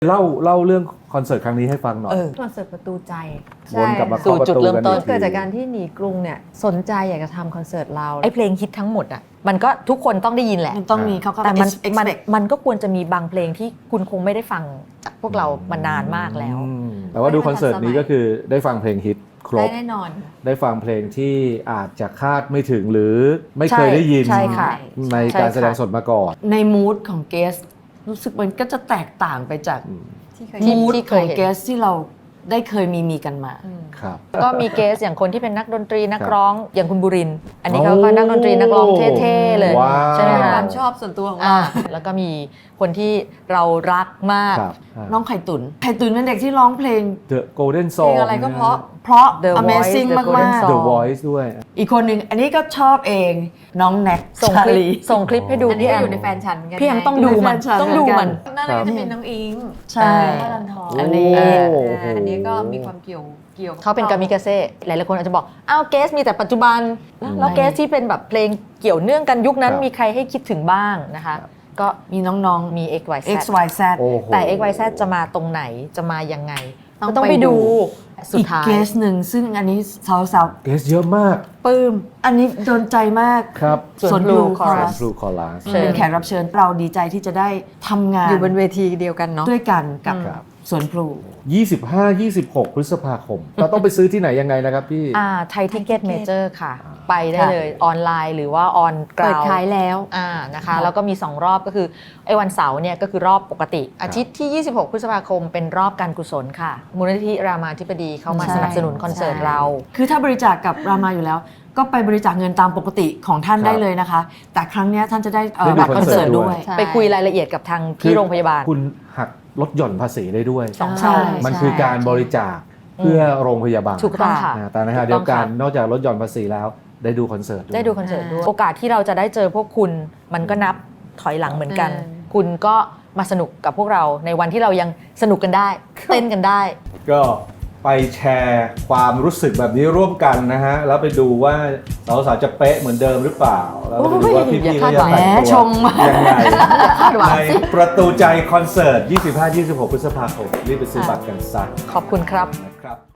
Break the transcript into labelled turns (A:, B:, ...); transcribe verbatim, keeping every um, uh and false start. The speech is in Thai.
A: เล่าเล่าเรื่องคอนเสิร์ตครั้งนี้ให้ฟังหน่อย
B: คอนเสิร์ตประตูใจ
A: วนกลับมา
C: สู่
A: เข้าประ
C: จุด
A: ตู
C: เริ่ม
A: กัน
C: ต้น
A: อีก
B: เกิด
A: ที
B: จากการที่หนีกรุงเนี่ยสนใจอยากจะทำคอนเสิร์ตเรา
C: ไอเพลงฮิตทั้งหมดอ่ะมันก็ทุกคนต้องได้ยินแหละ
D: มันต้องมีเขาก็
C: แต่มันมัน
D: expect
C: มันก็ควรจะมีบางเพลงที่คุณคงไม่ได้ฟังจากพวกเรามานานมากแล้ว
A: อืมแต่ว่าดูคอนเสิร์ตนี้ก็คือได้ฟังเพลงฮิตคร
B: ได้
A: บ
B: แน่นอน
A: ได้ฟังเพลงที่อาจจะคาดไม่ถึงหรือไม่เคยได้ยิน
C: ใช่ค่ะ
A: ใน
C: ใช่
A: การ
C: ค่ะ
A: แสดงสดมาก่อน
D: ในมูดของเกสรู้สึกมันก็จะแตกต่างไปจาก
B: ที่เคย
C: ที่
D: มูด
C: ที่เค
D: ขอย ง
C: เห็น
D: เกสที่เราได้เคยมีมีกันมา
A: ครับ
C: ก็มีเกสอย่างคนที่เป็นนักดนตรีนัก
A: ครับ
C: ร้องอย่างคุณบุรินทร์อันนี้เขา
A: โอ้
C: ก็นักดนตรีนักร้องเท่ๆเลย
A: ว้าว
C: ใช่ไหม
B: เป็น
C: คะ
B: ความชอบส่วนตัวของเรา
C: อ่าแล้วก็มีคนที่เรารักมาก
A: ครับอ่า
D: น้องไข่ตุนไข่ตุนเป็นเด็กที่ร้องเพลง
A: The Golden
B: เพล
A: Song
B: งอะไรก็เพราะ
D: เพราะ
C: The Voice
D: Amazing
C: The
D: มาก
C: Golden
D: มาก
C: Song
A: The Voice ด้วย
D: อีกคนหนึ่งอันนี้ก็ชอบเองน้องแน็ก
C: ส่ง
D: ชา
C: คลิป
D: ลี
C: ส่งคลิปให้ดู
B: อันนี้
C: พี่แอ
B: ก็
C: ม
B: อยู่ในแฟนฉันกัน
C: พี่แอมต้องดูมัน
D: แฟนฉัน
C: ต้องดูมัน
B: นั่นเลยจะเป็นน้องอิง
D: ใช่
B: พลันทอง
D: อันนี้
A: โอ้
B: อ่า
A: โห
B: อันนี้ก็มีความเกี่ยวเกี่ยว
C: เขาเป็นกามิกาเซ่หลายๆคนอาจจะบอกอ้าวเกสมีแต่ปัจจุบัน แล้วเกสที่เป็นแบบเพลงเกี่ยวเนื่องกันยุคนั้น
A: ครับ
C: มีใครให้คิดถึงบ้างนะคะ ก็
D: มีน้อง
C: มี X Y
D: ๆ
C: Z
D: X Y Z
A: โอ้โห
C: แต่ X Y Z จะมาตรงไหนจะมายังไง
B: ต้อง
C: ก็ต้องไป
B: ไปดู
C: ดูสุด
D: อีก
C: ท้าย
D: เกสหนึ่งซึ่งอันนี้สาว
A: เกสเยอะมาก
D: ๆปลื้มอันนี้โดนใจมาก
A: ครับ
C: ส่วน
D: Blue
C: Blue
D: Chorus
A: ฟลูคอลัส
C: เชิญ
D: เป็นแขกรับเชิญเราดีใจที่จะได้ทำงาน
B: อยู่บนเวทีเดียวกันเนาะ
D: ด้วยกันกับ
A: ครับ
D: สวนพลู
A: ยี่สิบห้า ยี่สิบหก พฤษภาคม เราต้องไปซื้อที่ไหนยังไงนะครับพี่
C: อ่าไทยทิเก็ตเมเจอร์ค่ะ ไปได้เลยออนไลน์หรือว่าออนก
B: เปิ
C: รา
B: ด
C: ว
B: ขายแล้ว
C: อ่านะคะแล้วก็มีสองรอบก็คือไอ้วันเสาร์เนี่ยก็คือรอบปกติ อาทิตย์ที่ ยี่สิบหก พฤษภาคมเป็นรอบการกุศลค่ะมูลนิธิรามาธิบดีเข้ามา
D: ใช่
C: สนับสนุนคอนเสิร์ต
B: ใช่
C: เรา
D: คือถ้าบริจาคกับรามาอยู่แล้ว ก็ไปบริจาคเงินตามปกติของท่าน
A: ครับ
D: ได้เลยนะคะ แต่ครั้งเนี้ยท่านจะได้เอ่อ
A: ได้ดู
D: บัตรคอนเสิร์ต
A: คอนเสิร์ตด้
D: ด้
A: ว
D: วย ย
B: ใช่
C: ไปคุยรายละเอียดกับทางที่โรงพยาบาล
A: คุณหักลดหย่อนภาษีได้ด้วย
C: สอง
D: ใช่
C: เท่า
A: มันคือการบริจาคเพื่อโรงพยาบาล
C: ถูกต้องค่ะ
A: อ่าแต่ในขณะ
C: ถู
A: เดี
C: ต้
A: ย
C: อ
A: ว
C: ง
A: กัน
C: ค่ะ
A: นอกจากลดหย่อนภาษีแล้วได้ดูคอนเสิร์ตวย
C: ได้ดูคอนเสิร์ตด้วย
B: อ่า
C: โอกาสที่เราจะได้เจอพวกคุณมันก็นับถอยหลังเหมือนกัน
B: อ่า
C: คุณก็มาสนุกกับพวกเราในวันที่เรายังสนุกกันได้ เต้นกันได้
A: ก็ไปแชร์ความรู้สึกแบบนี้ร่วมกันนะฮะ แล้วไปดูว่าสาวๆจะเป๊ะเหมือนเดิมหรือเปล่า แล้วไปดูว่าพี่ๆเขาจะแต่ง
D: แหมช
A: ตัว
D: งมาก
A: ยังไง
C: คาดหวัง
A: ใน
C: สิ
A: ประตูใจคอนเสิร์ต ยี่สิบห้า ยี่สิบหก พฤษภาคมรีบไปซื้อบัตรกันซะ
C: ขอบคุณครับ
A: นะครับ